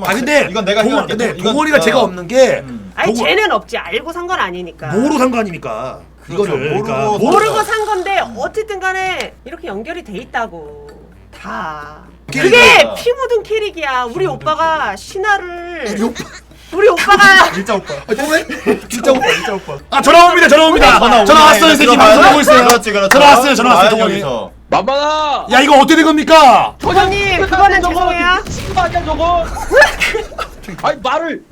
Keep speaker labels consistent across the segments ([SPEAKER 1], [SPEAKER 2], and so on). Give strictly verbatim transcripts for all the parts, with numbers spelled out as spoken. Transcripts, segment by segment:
[SPEAKER 1] 잠깐만.
[SPEAKER 2] 아 근데
[SPEAKER 1] 이건 내가
[SPEAKER 2] 동원,
[SPEAKER 1] 해결할게.
[SPEAKER 2] 근데
[SPEAKER 1] 이건-
[SPEAKER 2] 동원이가
[SPEAKER 1] 어.
[SPEAKER 2] 제가 없는 게
[SPEAKER 1] 음.
[SPEAKER 3] 아니
[SPEAKER 2] 동원-
[SPEAKER 3] 쟤는 없지. 알고 산 건 아니니까.
[SPEAKER 2] 뭐로 산 거 아닙니까?
[SPEAKER 1] 그렇죠.
[SPEAKER 2] 이거를
[SPEAKER 1] 모르고
[SPEAKER 2] 그러니까
[SPEAKER 1] 모르고
[SPEAKER 3] 모르고 산 건데 어쨌든 간에 이렇게 연결이 돼 있다고. 다. 그게
[SPEAKER 1] 캐릭이야.
[SPEAKER 3] 피 묻은 캐릭이야. 우리 오빠가 신화를
[SPEAKER 2] 우리 오빠
[SPEAKER 3] 우리 오빠가
[SPEAKER 1] 진짜 오빠.
[SPEAKER 2] 아, 동원 진짜 오빠
[SPEAKER 1] 진짜 오빠.
[SPEAKER 2] 아 전화 옵니다 전화 옵니다
[SPEAKER 1] 전화
[SPEAKER 2] 전화
[SPEAKER 1] 오네.
[SPEAKER 2] 왔어요 이 새끼
[SPEAKER 1] 들어가야
[SPEAKER 2] 방송
[SPEAKER 1] 돼.
[SPEAKER 2] 보고 있어요
[SPEAKER 1] 그렇지, 그렇지.
[SPEAKER 2] 전화 왔어요 전화 왔어요
[SPEAKER 1] 와야지,
[SPEAKER 2] 동원이
[SPEAKER 1] 여기서.
[SPEAKER 4] 만만아.
[SPEAKER 2] 야 이거 어떻게 된 겁니까?
[SPEAKER 3] 조정님 그거는 죄송해요.
[SPEAKER 4] 친구 아니야 저거? 아니 말을.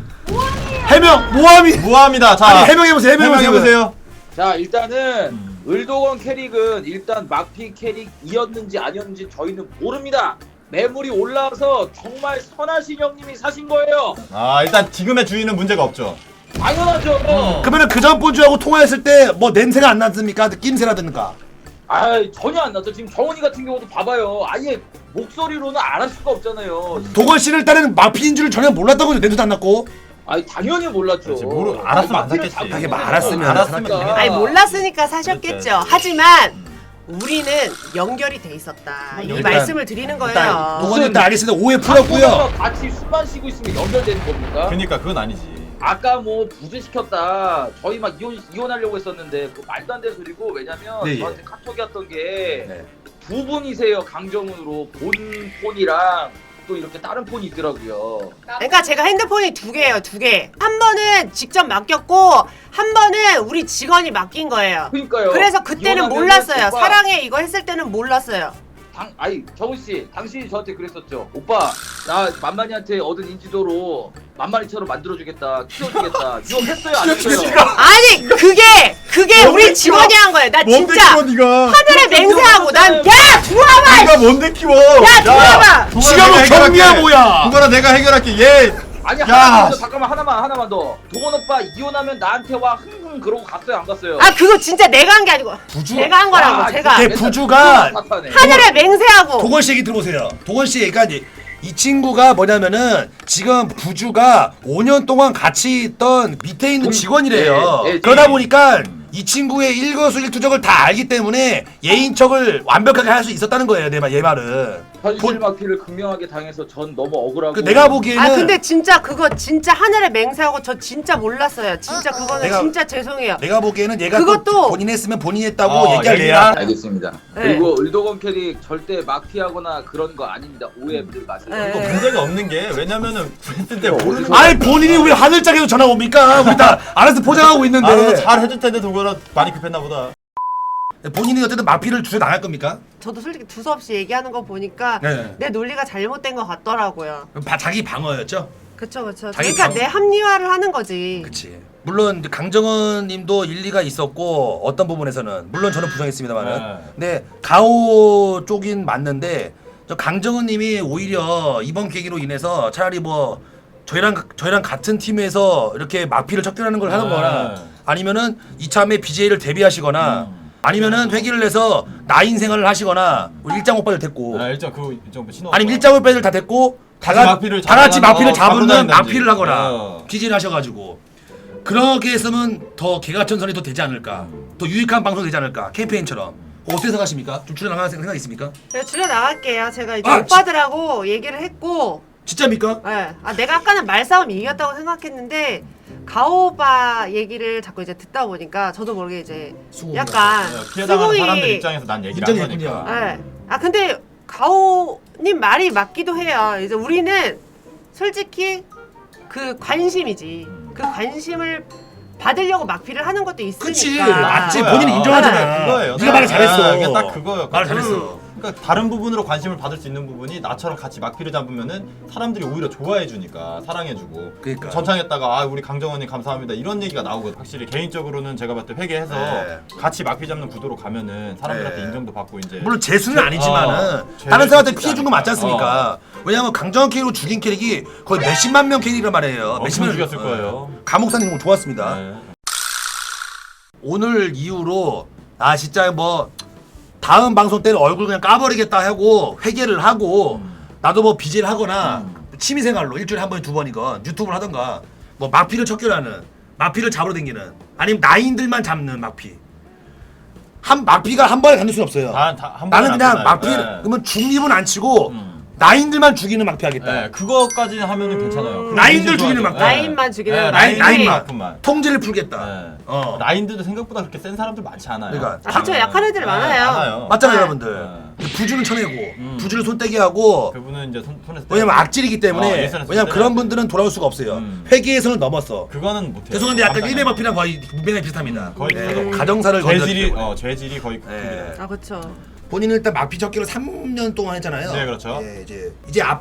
[SPEAKER 2] 해명 모함이
[SPEAKER 1] 무합니다. 자,
[SPEAKER 2] 아니 해명해보세요 해명해보세요
[SPEAKER 1] 해명해보세요.
[SPEAKER 4] 자 일단은
[SPEAKER 1] 음.
[SPEAKER 4] 을도건 캐릭은 일단 막피 캐릭이었는지 아니었는지 저희는 모릅니다. 매물이 올라와서 정말 선하신 형님이 사신 거예요.
[SPEAKER 1] 아, 일단 지금의 주인은 문제가 없죠.
[SPEAKER 4] 당연하죠.
[SPEAKER 2] 그러면은 그전 본주하고 통화했을 때 뭐 냄새가 안 났습니까? 낌새라든가
[SPEAKER 4] 아 전혀 안 났죠. 지금 정원이 같은 경우도 봐봐요. 아예 목소리로는 알 수가 없잖아요.
[SPEAKER 2] 도건 씨를 일단은 마피인 줄 전혀 몰랐다고요 냄새도 안 났고
[SPEAKER 4] 아니 당연히 몰랐죠.
[SPEAKER 1] 그렇지, 모르- 알았으면 안
[SPEAKER 4] 막피를
[SPEAKER 1] 샀겠지.
[SPEAKER 4] 잡고
[SPEAKER 2] 하긴
[SPEAKER 4] 있는
[SPEAKER 2] 알았으면
[SPEAKER 4] 거예요.
[SPEAKER 1] 알았으면
[SPEAKER 4] 그러니까.
[SPEAKER 3] 아니 몰랐으니까 사셨겠죠.
[SPEAKER 1] 그렇죠.
[SPEAKER 3] 하지만 우리는 연결이 돼 있었다. 이
[SPEAKER 2] 일단-
[SPEAKER 3] 말씀을 드리는
[SPEAKER 2] 일단
[SPEAKER 3] 거예요.
[SPEAKER 2] 도건 일단 알겠습니다 오해 풀었고요
[SPEAKER 4] 한국에서 같이 술 마시고 있으면 연결되는 겁니까?
[SPEAKER 1] 그러니까 그건 아니지.
[SPEAKER 4] 아까 뭐 부재시켰다. 저희 막 이혼 이혼하려고 했었는데 그 말도 안 되는 소리고 왜냐면
[SPEAKER 2] 네, 예.
[SPEAKER 4] 저한테 카톡이 왔던 게
[SPEAKER 2] 네.
[SPEAKER 4] 두 분이세요 강정훈으로 본 폰이랑 또 이렇게 다른 폰이 있더라고요.
[SPEAKER 3] 그러니까 제가 핸드폰이 두 개예요, 두 개. 한 번은 직접 맡겼고 한 번은 우리 직원이 맡긴 거예요.
[SPEAKER 4] 그러니까요.
[SPEAKER 3] 그래서 그때는
[SPEAKER 4] 이혼하면은
[SPEAKER 3] 몰랐어요.
[SPEAKER 4] 오빠,
[SPEAKER 3] 사랑해 이거 했을 때는 몰랐어요.
[SPEAKER 4] 당, 아니 정훈 씨, 당신이 저한테 그랬었죠. 오빠 나 만만이한테 얻은 인지도로 만만이처럼 만들어주겠다, 키워주겠다. 유혹했어요, 안 했어요?
[SPEAKER 3] 아니 그게 그게 우리
[SPEAKER 1] 뭔데
[SPEAKER 3] 직원이 한 거예요. 나
[SPEAKER 1] 뭔데
[SPEAKER 3] 진짜
[SPEAKER 1] 키워 네가?
[SPEAKER 3] 하늘에 맹세하고 난 야 들어와봐.
[SPEAKER 1] 네가 뭔데 키워?
[SPEAKER 3] 야 들어와봐.
[SPEAKER 2] 지가 뭐 경미야 뭐야
[SPEAKER 1] 그거는 내가 해결할게. 얘
[SPEAKER 4] 아니
[SPEAKER 1] 야,
[SPEAKER 4] 하나만 더
[SPEAKER 1] 씨.
[SPEAKER 4] 잠깐만 하나만 하나만 더. 동원 오빠 이혼하면 나한테 와 흥흥 그러고 갔어요, 안 갔어요?
[SPEAKER 3] 아 그거 진짜 내가 한 게 아니고
[SPEAKER 2] 부주
[SPEAKER 3] 제가 한 거라고
[SPEAKER 4] 아,
[SPEAKER 3] 제가
[SPEAKER 2] 걔 부주가
[SPEAKER 4] 사탄에.
[SPEAKER 3] 하늘에 맹세하고
[SPEAKER 2] 도건 씨 얘기 들어보세요. 도건 씨 얘기가 이제 이 친구가 뭐냐면은 지금 부주가 오 년 동안 같이 있던 밑에 있는
[SPEAKER 4] 음,
[SPEAKER 2] 직원이래요.
[SPEAKER 4] 예, 예,
[SPEAKER 2] 그러다
[SPEAKER 4] 예.
[SPEAKER 2] 보니까 이 친구의 일거수일투족을 다 알기 때문에 예인척을 완벽하게 할 수 있었다는 거예요. 내 말, 얘 말은.
[SPEAKER 4] 현실 마피를 극명하게 당해서 전 너무 억울하고.
[SPEAKER 2] 그 내가 보기에는
[SPEAKER 3] 아 근데 진짜 그거 진짜 하늘에 맹세하고 저 진짜 몰랐어요. 진짜 그거는
[SPEAKER 2] 내가-
[SPEAKER 3] 진짜 죄송해요.
[SPEAKER 2] 내가 보기에는 얘가
[SPEAKER 3] 그것도-
[SPEAKER 2] 또 본인 했으면 본인이 했다고
[SPEAKER 1] 어,
[SPEAKER 2] 얘기할래야.
[SPEAKER 1] 얘기랑-
[SPEAKER 4] 알겠습니다.
[SPEAKER 3] 네.
[SPEAKER 4] 그리고 을도건 캐릭 절대 마피하거나 그런 거 아닙니다. 오해들 마세요.
[SPEAKER 3] 네.
[SPEAKER 1] 이거 문제가 없는 게 왜냐면은 그랬을 때 모르는 거.
[SPEAKER 2] 아니 본인이 왜 하늘짝에서 전화 옵니까? 우리 다 알아서 포장하고 있는데.
[SPEAKER 1] 알아서 잘 해줄 텐데 동거는 많이 급했나 보다.
[SPEAKER 2] 본인이 어쨌든 마피를 주제 나갈 겁니까?
[SPEAKER 3] 저도 솔직히 두서없이 얘기하는 거 보니까
[SPEAKER 2] 네.
[SPEAKER 3] 내 논리가 잘못된 것 같더라고요.
[SPEAKER 2] 바, 자기 방어였죠.
[SPEAKER 3] 그쵸 그쵸.
[SPEAKER 2] 자기
[SPEAKER 3] 그러니까
[SPEAKER 2] 방-
[SPEAKER 3] 내 합리화를 하는 거지.
[SPEAKER 2] 그치. 물론 강정은 님도 일리가 있었고 어떤 부분에서는 물론 저는 부정했습니다만은
[SPEAKER 1] 네.
[SPEAKER 2] 근데 가오 쪽인 맞는데 저 강정은 님이 오히려 이번 계기로 인해서 차라리 뭐 저희랑 저희랑 같은 팀에서 이렇게 마피를 척결하는 걸 하는
[SPEAKER 1] 네.
[SPEAKER 2] 거나 아니면은 이참에 비제이를 데뷔하시거나
[SPEAKER 1] 음.
[SPEAKER 2] 아니면은 회기를 내서 나인 생활을 하시거나 우리 일장 오빠들 됐고
[SPEAKER 1] 아, 일정 그 일정 신호.
[SPEAKER 2] 아니면 일장 오빠들 다 됐고 다,
[SPEAKER 1] 같이
[SPEAKER 2] 가-
[SPEAKER 1] 마피를
[SPEAKER 2] 다 같이
[SPEAKER 1] 잡아가는-
[SPEAKER 2] 마피를
[SPEAKER 1] 어,
[SPEAKER 2] 잡는
[SPEAKER 1] 잡으러 다닌다든지.
[SPEAKER 2] 마피를 하거나
[SPEAKER 1] 어.
[SPEAKER 2] 비제를 하셔가지고 그렇게 했으면 더 개가천선이 더 되지 않을까 더 유익한 방송이 되지 않을까 캠페인처럼 어떻게 생각하십니까? 좀 출연 나갈 생각 있습니까?
[SPEAKER 3] 제가 줄여 나갈게요. 제가 이제
[SPEAKER 2] 아,
[SPEAKER 3] 오빠들하고 얘기를 했고,
[SPEAKER 2] 진짜입니까?
[SPEAKER 3] 예. 아 내가 아까는 말싸움 이겼다고 생각했는데 가오바 얘기를 자꾸 이제 듣다 보니까 저도 모르게 이제
[SPEAKER 2] 수긍이
[SPEAKER 3] 약간
[SPEAKER 1] 피해 당하는
[SPEAKER 3] 수긍이-
[SPEAKER 1] 사람들 입장에서 난 얘기를 한
[SPEAKER 2] 인정했군요.
[SPEAKER 1] 거니까.
[SPEAKER 3] 예. 아 근데 가오님 말이 맞기도 해요. 이제 우리는 솔직히 그 관심이지. 그 관심을 받으려고 막피를 하는 것도 있으니까.
[SPEAKER 2] 그치 맞지
[SPEAKER 1] 그거야.
[SPEAKER 2] 본인이 인정하잖아.
[SPEAKER 1] 네, 그거예요.
[SPEAKER 2] 네가 말을 잘했어.
[SPEAKER 1] 아, 이게 딱 그거예요.
[SPEAKER 2] 말 잘했어.
[SPEAKER 1] 그러니까 다른 부분으로 관심을 받을 수 있는 부분이 나처럼 같이 막피를 잡으면은 사람들이 오히려 좋아해주니까 사랑해주고
[SPEAKER 2] 그러니까.
[SPEAKER 1] 전창했다가 아 우리 강정원님 감사합니다 이런 얘기가 나오거든. 확실히 개인적으로는 제가 봤을 때 회개해서
[SPEAKER 2] 네.
[SPEAKER 1] 같이 막피 잡는 구도로 가면은 사람들한테
[SPEAKER 2] 네.
[SPEAKER 1] 인정도 받고 이제
[SPEAKER 2] 물론 재수는 아니지만은
[SPEAKER 1] 어,
[SPEAKER 2] 다른 사람한테
[SPEAKER 1] 죄를
[SPEAKER 2] 피해 준 거 맞지 않습니까? 왜냐면 강정원 캐릭으로 죽인 캐릭이 거의 몇십만 명 캐릭이란 말이에요.
[SPEAKER 1] 엄청
[SPEAKER 2] 몇십만
[SPEAKER 1] 죽였을 거예요.
[SPEAKER 2] 감옥사님 공 좋았습니다.
[SPEAKER 1] 네.
[SPEAKER 2] 오늘 이후로 아 진짜 뭐 다음 방송 때는 얼굴 그냥 까버리겠다 하고 회개를 하고 나도 뭐 비제를 하거나 취미생활로 일주일에 한 번에 두 번이건 유튜브를 하던가 뭐 마피를 척결하는 마피를 잡으러 다니는 아니면 나인들만 잡는 마피 한 마피가 한 번에 다닐 수는 없어요.
[SPEAKER 1] 다, 다, 한
[SPEAKER 2] 나는
[SPEAKER 1] 번에
[SPEAKER 2] 그냥
[SPEAKER 1] 안
[SPEAKER 2] 마피
[SPEAKER 1] 끝나요. 네.
[SPEAKER 2] 그러면 중립은 안 치고
[SPEAKER 1] 음.
[SPEAKER 2] 나인들만 죽이는 막피 하겠다.
[SPEAKER 1] 네, 그거까지 하면은 괜찮아요. 그럼
[SPEAKER 2] 라인들
[SPEAKER 1] 인지
[SPEAKER 2] 죽이는
[SPEAKER 1] 좋아하죠.
[SPEAKER 2] 막-
[SPEAKER 3] 라인만 죽이는
[SPEAKER 1] 네,
[SPEAKER 2] 라인,
[SPEAKER 1] 라인
[SPEAKER 2] 라인만.
[SPEAKER 1] 라인만.
[SPEAKER 2] 통제를 풀겠다.
[SPEAKER 1] 네.
[SPEAKER 2] 어.
[SPEAKER 1] 라인들도 생각보다 그렇게 센 사람들 많지 않아요.
[SPEAKER 2] 그러니까
[SPEAKER 3] 아, 그쵸. 약한 애들
[SPEAKER 1] 네,
[SPEAKER 3] 많아요.
[SPEAKER 1] 많아요.
[SPEAKER 2] 맞잖아요,
[SPEAKER 3] 네.
[SPEAKER 2] 여러분들.
[SPEAKER 1] 네.
[SPEAKER 2] 부주는 쳐내고
[SPEAKER 1] 음.
[SPEAKER 2] 부주를 손떼기 하고
[SPEAKER 1] 그분은 이제 손, 손에서
[SPEAKER 2] 왜냐면
[SPEAKER 1] 때려요.
[SPEAKER 2] 악질이기
[SPEAKER 1] 어,
[SPEAKER 2] 때문에
[SPEAKER 1] 예선에서
[SPEAKER 2] 왜냐면
[SPEAKER 1] 때려야
[SPEAKER 2] 그런
[SPEAKER 1] 돼.
[SPEAKER 2] 분들은 돌아올 수가 없어요.
[SPEAKER 1] 음.
[SPEAKER 2] 회계에서는 넘었어.
[SPEAKER 1] 그거는 못해요.
[SPEAKER 2] 죄송한데 약간
[SPEAKER 1] 감당이
[SPEAKER 2] 일베
[SPEAKER 1] 안 돼요.
[SPEAKER 2] 마피랑 거의 무배나 비슷합니다.
[SPEAKER 1] 거의
[SPEAKER 2] 네.
[SPEAKER 1] 비슷하죠.
[SPEAKER 2] 가정사를 건졌기
[SPEAKER 1] 죄질이
[SPEAKER 2] 때문에.
[SPEAKER 1] 어 죄질이 거의
[SPEAKER 2] 네.
[SPEAKER 1] 큽니다.
[SPEAKER 3] 아 그쵸.
[SPEAKER 2] 본인은 일단 마피 적기로 삼 년 동안 했잖아요.
[SPEAKER 1] 네, 그렇죠.
[SPEAKER 2] 예, 이제 이제 앞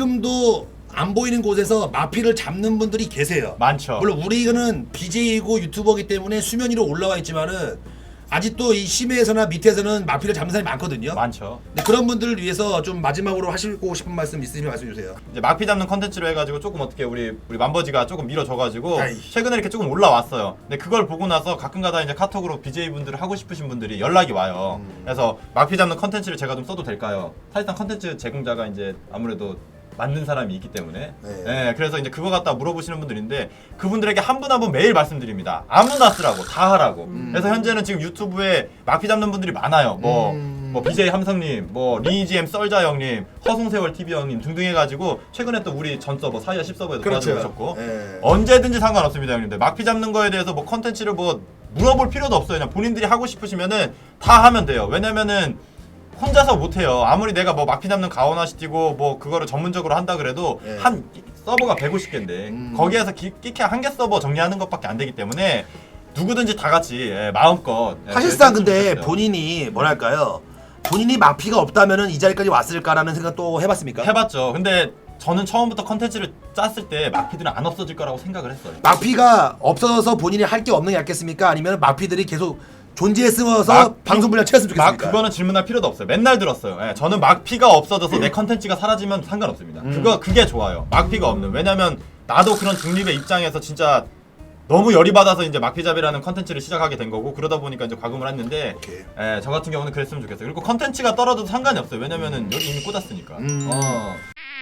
[SPEAKER 2] 지금도 안 보이는 곳에서 마피를 잡는 분들이 계세요.
[SPEAKER 1] 많죠.
[SPEAKER 2] 물론 우리는 비제이고 유튜버기 때문에 수면 위로 올라와 있지만은 아직도 이 심해에서나 밑에서는 마피를 잡는 사람이 많거든요.
[SPEAKER 1] 많죠.
[SPEAKER 2] 근데 그런 분들을 위해서 좀 마지막으로 하시고 싶은 말씀 있으시면 말씀해 주세요.
[SPEAKER 1] 이제 막피 잡는 컨텐츠로 해가지고 조금 어떻게 우리 우리 만버지가 조금 밀어줘가지고
[SPEAKER 2] 아이.
[SPEAKER 1] 최근에 이렇게 조금 올라왔어요. 근데 그걸 보고 나서 가끔가다 이제 카톡으로 비제이 분들을 하고 싶으신 분들이 연락이 와요.
[SPEAKER 2] 음.
[SPEAKER 1] 그래서 막피 잡는 컨텐츠를 제가 좀 써도 될까요? 사실상 컨텐츠 제공자가 이제 아무래도 만든 사람이 있기 때문에
[SPEAKER 2] 네.
[SPEAKER 1] 네, 그래서 이제 그거 갖다 물어보시는 분들인데 그분들에게 한 분 한 분 매일 말씀드립니다. 아무나 쓰라고 다 하라고.
[SPEAKER 3] 음.
[SPEAKER 1] 그래서 현재는 지금 유튜브에 막피 잡는 분들이 많아요. 뭐
[SPEAKER 2] 음.
[SPEAKER 1] 뭐 비제이 함성님, 뭐 리니지엠 썰자 형님, 허송세월 티비 형님 등등 해가지고 최근에 또 우리 전 서버 사이아 십 서버에도
[SPEAKER 2] 그렇죠.
[SPEAKER 1] 도와주셨고
[SPEAKER 2] 예.
[SPEAKER 1] 언제든지 상관없습니다 형님들. 막피 잡는 거에 대해서 뭐 컨텐츠를 뭐 물어볼 필요도 없어요. 그냥 본인들이 하고 싶으시면은 다 하면 돼요. 왜냐면은 혼자서 못해요. 아무리 내가 뭐 막피 잡는 가오나시티고 뭐 그거를 전문적으로 한다 그래도
[SPEAKER 2] 예.
[SPEAKER 1] 한 서버가 백오십 개인데
[SPEAKER 2] 음.
[SPEAKER 1] 거기에서 끼케 한 개 서버 정리하는 것밖에 안 되기 때문에 누구든지 다 같이 예, 마음껏 예,
[SPEAKER 2] 사실상
[SPEAKER 1] 그랬으면
[SPEAKER 2] 근데
[SPEAKER 1] 좋겠어요.
[SPEAKER 2] 본인이 뭐랄까요? 본인이 마피가 없다면은 이 자리까지 왔을까라는 생각 또 해봤습니까?
[SPEAKER 1] 해봤죠. 근데 저는 처음부터 컨텐츠를 짰을 때 마피들은 안 없어질 거라고 생각을 했어요.
[SPEAKER 2] 마피가 없어서 본인이 할 게 없는 게 낫겠습니까? 아니면 마피들이 계속 존재했으면서
[SPEAKER 1] 막-
[SPEAKER 2] 방송 분량 채웠으면
[SPEAKER 1] 막
[SPEAKER 2] 좋겠습니까?
[SPEAKER 1] 그거는 질문할 필요도 없어요. 맨날 들었어요. 예, 저는 막피가 없어져서 내 컨텐츠가 사라지면 상관없습니다.
[SPEAKER 2] 음.
[SPEAKER 1] 그거 그게 좋아요. 막피가 없는. 왜냐면 나도 그런 중립의 입장에서 진짜 너무 열이 받아서 이제 막피잡이라는 컨텐츠를 시작하게 된 거고 그러다 보니까 이제 과금을 했는데
[SPEAKER 2] 오케이.
[SPEAKER 1] 예, 저 같은 경우는 그랬으면 좋겠어요. 그리고 컨텐츠가 떨어져도 상관이 없어요. 왜냐면은 여기 이미 꽂았으니까.
[SPEAKER 2] 음.
[SPEAKER 1] 어.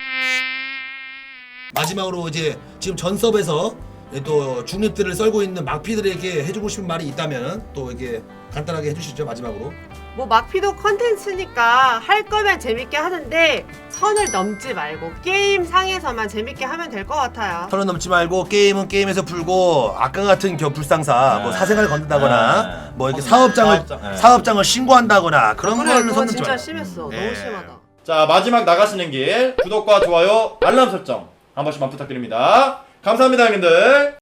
[SPEAKER 2] 마지막으로 이제 지금 전섭에서 또 중립들을 썰고 있는 막피들에게 해주고 싶은 말이 있다면 또 이렇게 간단하게 해주시죠 마지막으로.
[SPEAKER 3] 뭐 막피도 컨텐츠니까 할 거면 재밌게 하는데 선을 넘지 말고 게임 상에서만 재밌게 하면 될 것 같아요.
[SPEAKER 2] 선을 넘지 말고 게임은 게임에서 풀고 아까 같은 겨 불상사
[SPEAKER 1] 네.
[SPEAKER 2] 뭐 사생활 건든다거나
[SPEAKER 1] 네.
[SPEAKER 2] 뭐 이렇게
[SPEAKER 1] 어,
[SPEAKER 2] 사업장을
[SPEAKER 1] 사업장, 네.
[SPEAKER 2] 사업장을 신고한다거나 그런
[SPEAKER 3] 그래
[SPEAKER 2] 거는
[SPEAKER 3] 그거
[SPEAKER 2] 손 넘지
[SPEAKER 3] 진짜
[SPEAKER 2] 말고.
[SPEAKER 3] 심했어.
[SPEAKER 2] 네.
[SPEAKER 3] 너무 심하다.
[SPEAKER 1] 자, 마지막 나가시는 길 구독과 좋아요, 알람 설정 한 번씩만 부탁드립니다. 감사합니다, 형님들.